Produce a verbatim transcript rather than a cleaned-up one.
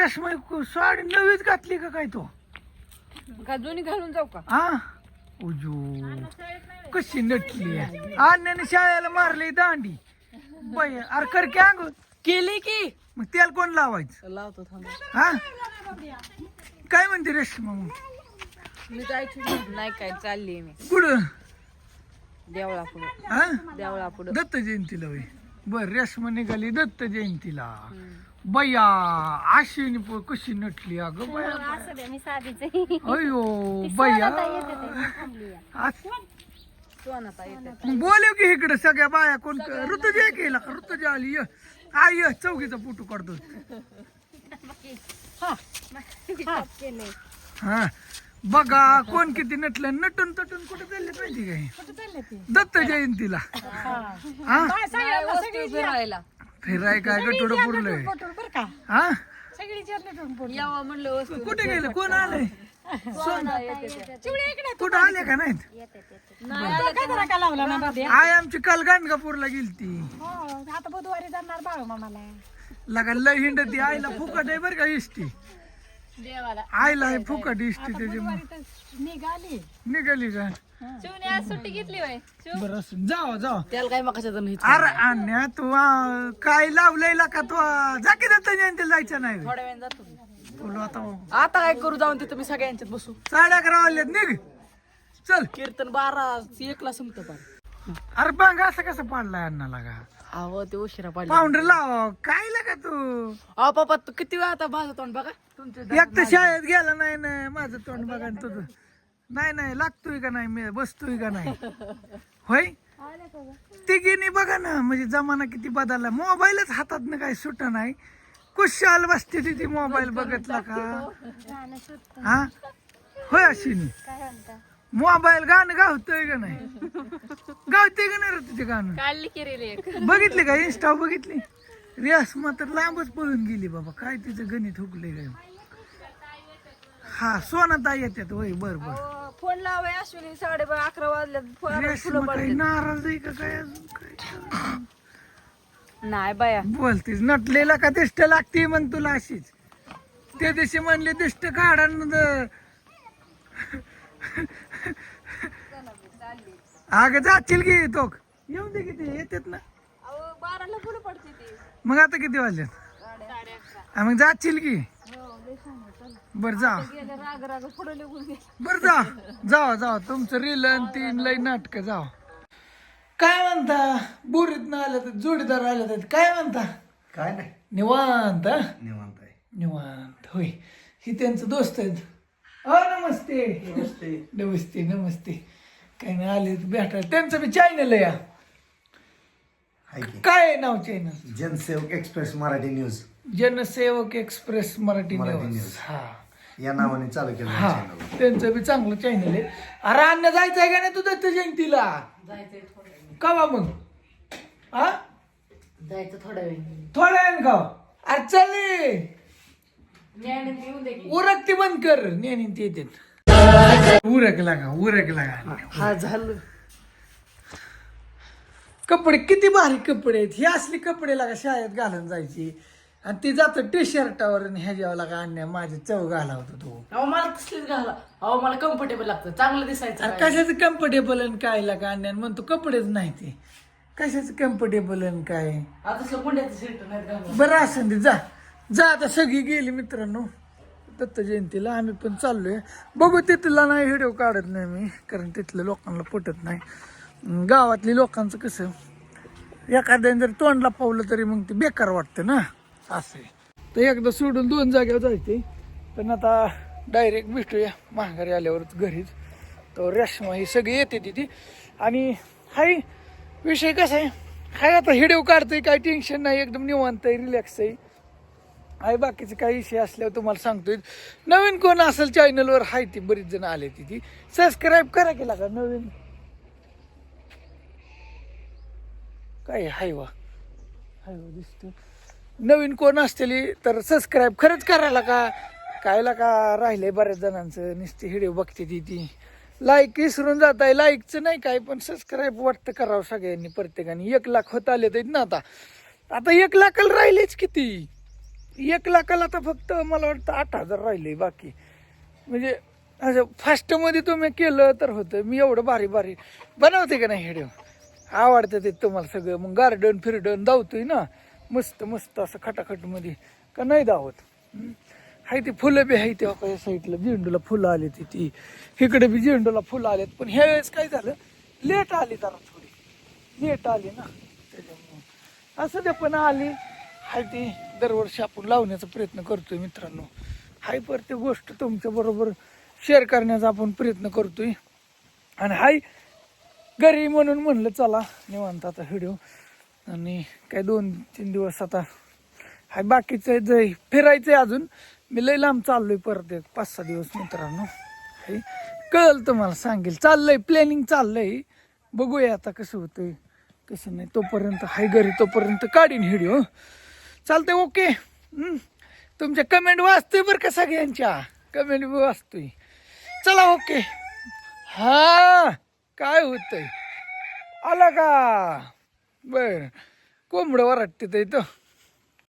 रेशमा साडी नवीच घातली का काय तो का दोन्ही घालून जाऊ का? हा उजू कशी नटली अन्याने शाळेला मारली दांडी बाई अरे कर की अंग केली की मग त्याला कोण लावायचं लावतो थांब. हा काय म्हणते रेशमा मग मी जायची नाही काय चालली मी कुठं देवळा पुढे हा देवळा पुढे दत्त जयंतीला वय बर रेशमा निघाली दत्त जयंतीला बया आशिनी प- कशी नटली अगं बया असं दे मी साधीच आहे. अयो बया आज- सोनाता येते मग बोलव की इकडे सगळ्या बाया कोण ऋतुजा केला ऋतुजा आली य आई य चौकीचा फोटो काढतो केलंय. हा बघा कोण किती नटलं नटून तटून कुठे चालले पाहिजे काय दत्त जयंतीला हा वस्तू फिरायला फिराय काय गटोड पुरलंय हा यावं म्हणलं वस्तू कुठे गेलं कोण आलंय सोना येते त्या. कुठं आले का नाहीत येते येते. नाही आलं तर आय आमची काल गाणगापूरला गेलती आता बुधवारी जाणार बाळू मामाला लगा लय हिंडती आईला फुकट आहे बरं का इष्टी देवाला आईला आहे फुकट इष्टी त्याची निघाली निघाली का शिवने आज सुट्टी घेतली होय बरं असं जावा जावा त्याला काय मग कशाचं नाही अरे अन्या तू आ, काय लावलंय का तू आ, जा की दत्त जयंतीला जायचं नाही थोड्या वेळ जातो मी. बोलू आता आता काय करू जाऊन तिथं मी सगळ्यांच्यात बसू साडे अकरा वाजल्यात निघ चल कीर्तन बारा एकला संपतं पण अरे बांग असं कसं पाडलाय अण्णा लागा अहो ते उशिरा पाडला पाऊंडर लाव काय लागा तू अहो पप्पा तू किती वेळा आता माझं तोंड बघा तुमचे एक तर शाळेत गेला नाही ना माझं तोंड बघा न तुझं नाही नाही लागतोय का नाही मी बसतोय का नाही होय तिघीनी बघा ना म्हणजे जमाना किती बदलला मोबाईलच हातात ना काही सुट नाही कुशाल बसते तिथे मोबाईल बघितला का गाणं सुटतं. हा होय अश्विनी काय म्हणता मोबाईल गाणं गावतोय का नाही गावते का नाही रे तुझे गाणं काढली की रे एक बघितले का इंस्टा बघितली रियास मात्र लांबच पळून गेली बाबा काय तिचं गणित हुकले काय हा सोनाताई येतात होय बर बर फोन लावाय अश्विनी साडे बारा अकरा वाजल्यात फोन रियास फुलं मग काही पडते नाराज आहे का काय अजून काय नाही बाया बोलतीस नटलेला का दिष्ट लागते मग तुला अशीच त्या दिवशी म्हणले दिष्ट काढा न द- अगं जातील की तो येऊ दे किती येतात ना अहो बाराला फुलं पडते ती मग आता किती वाजल्यात हा, मग जातील की बर जा गेले राग राग पुढे निघून गेले बर जा जावा जावा तुमचं रील आणि तीन लई नाटक जावा काय म्हणता बोरीत न आलं तर जोडीदार आलं तर काय म्हणता काय नाही निवांत हा? निवांत आहे निवांत होय ही त्यांचं दोस्त आहेत अ नमस्ते नमस्ते नमस्ते नमस्ते काही नाही आले तर भेटायला त्यांचं बी चॅनल आहे या हाय की काय आहे नाव channel Jansevak express Marathi news Jansevak express Marathi Marathi news news. हा या नावाने चालू केलं हा चॅनल त्यांचं बी चांगलं चॅनल आहे अरे अन्न जायचंय का नाही तू दत्त जयंतीला कवा मग हा जायचं थोड्या वेळ थोड्या वेळ का अरे चल येऊन दे की उरकती बंद कर नेहमी ते येतात उरक लागा उरक लागा हा झालं कपडे किती भारी कपडे आहेत ही असली कपडे लागा शाळेत घालून जायची आणि ती जात टी शर्टावर आणि ह्याच्यावर लागा आणण्या माझे चव घाला होता तो अहो मला तसलीच घाला अहो मला कम्फर्टेबल लागतं चांगलं दिसायचं अरे कशाचं कम्फर्टेबल आणि काय लागा आणण्या म्हणतो कपडेच नाही ते कशाचं कम्फर्टेबल आणि काय आता तसलं मुंड्याचं शर्ट नाही घालून बरं असं दे जा जा आता सगळी गेली मित्रांनो दत्त जयंतीला आम्ही पण चाललोय बघू तिथला नाही व्हिडिओ काढत नाही मी कारण तिथल्या लोकांना पटत नाही अं, गावातली लोकांचं कसं एखाद्याने जर तोंडला पावलं तरी मग ते बेकार वाटतं ना असं आहे. तर एकदा सोडून दोन जागेवर जायचे पण आता डायरेक्ट भेटूया माघारी आल्यावरच घरीच तर रेशमा ही सगळी येते तिथे आणि हाय विषय कसा आहे हाय आता व्हिडिओ काढतोय काय टेन्शन नाही एकदम निवांत आहे रिलॅक्स आहे आहे बाकीचे काही विषय असल्यावर तुम्हाला सांगतोय नवीन कोण असेल चॅनलवर हाय ती बरीच जण आले तिथे सबस्क्राईब करा केला का नवीन काय हाय वा हाय वा दिसतो नवीन कोण असतेली तर सबस्क्राईब खरंच करायला का कायला का राहिले बऱ्याच जणांचं नुसती व्हिडिओ बघते ती ती लाईक विसरून जात आहे लाईकचं नाही काय पण सबस्क्राईब वाटतं करावं सगळ्यांनी प्रत्येकाने एक लाख होत आले तर ना आता आता एक लाखाला राहिलेच किती एक लाखाला तर फक्त मला वाटतं आठ हजार राहिले बाकी. म्हणजे असं फास्टमध्ये तुम्ही केलं तर होतं. मी एवढं भारी भारी बनवते का नाही व्हिडिओ, आवडतं ते तुम्हाला सगळं. मग गार्डन फिरडन धावतोय ना मस्त मस्त असं खटाखटमध्ये का नाही धावत. हाय ती फुलं बी आहे तेव्हा काही साईडला झेंडूला फुलं आली ती ती इकडे बी झेंडूला फुलं आलेत. पण ह्या वेळेस काय झालं, लेट आली जरा थोडी लेट आली ना त्याच्यामुळं असं ते पण आली. हाय ती दरवर्षी आपण लावण्याचा प्रयत्न करतोय मित्रांनो. हाय प्रत्येक गोष्ट तुमच्या बरोबर शेअर करण्याचा आपण प्रयत्न करतोय. आणि हाय घरी म्हणून म्हणलं चला निवांत आता व्हिडिओ. आणि काय दोन तीन दिवस आता हाय बाकीचं जे फिरायचंय अजून. मी लय लांब चाललोय परत एक पाच सहा दिवस मित्रांनो. हाय कळलं तुम्हाला सांगेल. चाललंय प्लॅनिंग चाललंय, बघूया आता कसं होतंय कसं नाही. तोपर्यंत हाय घरी तोपर्यंत काढीन व्हिडिओ. चालतंय ओके. तुमच्या कमेंट वाचतोय बरं का, सगळ्यांच्या कमेंट बी वाचतोय. चला ओके. हा काय होतंय आला का बर कोंबडं वराटते इथं.